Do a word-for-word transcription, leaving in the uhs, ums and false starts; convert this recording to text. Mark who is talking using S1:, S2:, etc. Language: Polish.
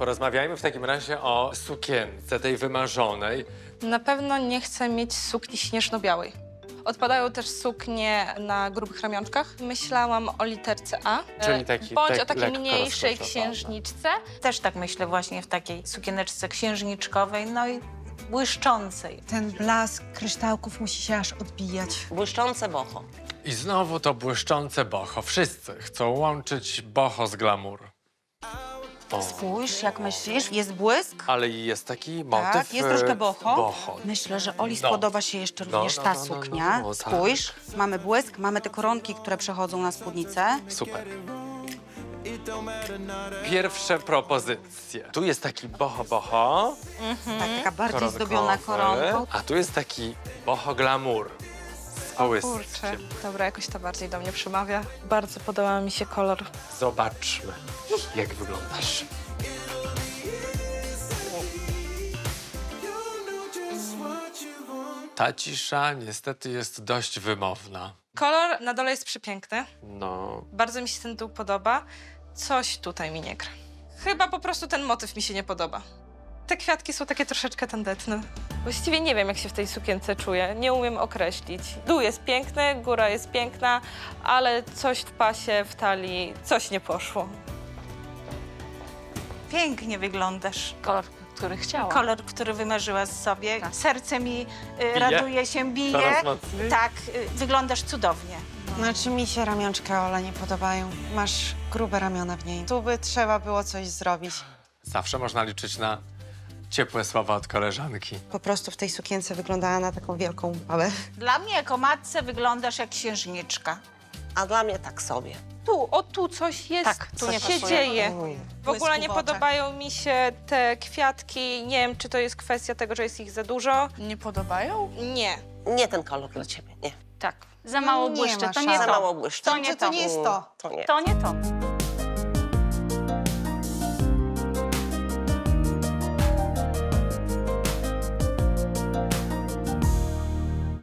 S1: Porozmawiajmy w takim razie o sukience, tej wymarzonej.
S2: Na pewno nie chcę mieć sukni śnieżno-białej. Odpadają też suknie na grubych ramionczkach. Myślałam o literce A.
S1: Czyli taki-
S2: Bądź
S1: tak
S2: o takiej
S1: lekko
S2: mniejszej
S1: rozkoszowana.
S2: księżniczce.
S3: Też tak myślę właśnie w takiej sukieneczce księżniczkowej, no i błyszczącej.
S4: Ten blask kryształków musi się aż odbijać.
S5: Błyszczące boho.
S1: I znowu to błyszczące boho. Wszyscy chcą łączyć boho z glamour. O.
S3: Spójrz, jak myślisz, jest błysk?
S1: Ale jest taki motyw...
S4: Tak, jest troszkę
S1: e,
S4: boho.
S1: boho.
S4: Myślę, że Oli
S1: No.
S4: spodoba się jeszcze
S1: No,
S4: również
S1: no,
S4: ta
S1: no, no, no,
S4: suknia.
S1: no, tak.
S4: Spójrz, mamy błysk, mamy te koronki, które przechodzą na spódnicę.
S1: Super. Pierwsze propozycje. Tu jest taki boho boho.
S4: Tak, taka bardziej
S1: koronkowy,
S4: zdobiona koronką.
S1: A tu jest taki boho glamour. Z połyskiem.
S2: Kurczę, dobra, jakoś to bardziej do mnie przemawia. Bardzo podoba mi się kolor.
S1: Zobaczmy, jak wyglądasz. Ta cisza niestety jest dość wymowna.
S2: Kolor na dole jest przepiękny.
S1: No,
S2: Bardzo mi się ten dół podoba. Coś tutaj mi nie gra. Chyba po prostu ten motyw mi się nie podoba. Te kwiatki są takie troszeczkę tandetne. Właściwie nie wiem, jak się w tej sukience czuję. Nie umiem określić. Dół jest piękny, góra jest piękna, ale coś w pasie, w talii, coś nie poszło.
S3: Pięknie wyglądasz.
S5: Kolor, który chciałam.
S3: Kolor, który wymarzyłaś sobie. Serce mi y, raduje się, bije.
S1: coraz mocniej.
S3: Tak, y, wyglądasz cudownie.
S4: Znaczy mi się ramionczka Ola nie podobają. Masz grube ramiona w niej. Tu by trzeba było coś zrobić.
S1: Zawsze można liczyć na ciepłe słowa od koleżanki.
S4: Po prostu w tej sukience wyglądała na taką wielką babę.
S3: Dla mnie jako matce wyglądasz jak księżniczka.
S5: A dla mnie tak sobie.
S2: Tu, o tu coś jest,
S3: Tak,
S2: tu
S3: coś
S2: się
S3: pasuje.
S2: dzieje. W ogóle
S4: Błysku
S2: nie
S4: w oczach.
S2: podobają mi się te kwiatki. Nie wiem, czy to jest kwestia tego, że jest ich za dużo.
S6: Nie podobają?
S2: Nie.
S5: Nie ten kolor dla ciebie, nie.
S2: Tak.
S3: Za mało
S4: nie
S3: błyszczy,
S4: ma
S3: to nie
S4: szans.
S5: Za
S3: to.
S5: mało błyszczy.
S3: To nie
S4: to nie jest to.
S5: To nie.
S3: To nie to.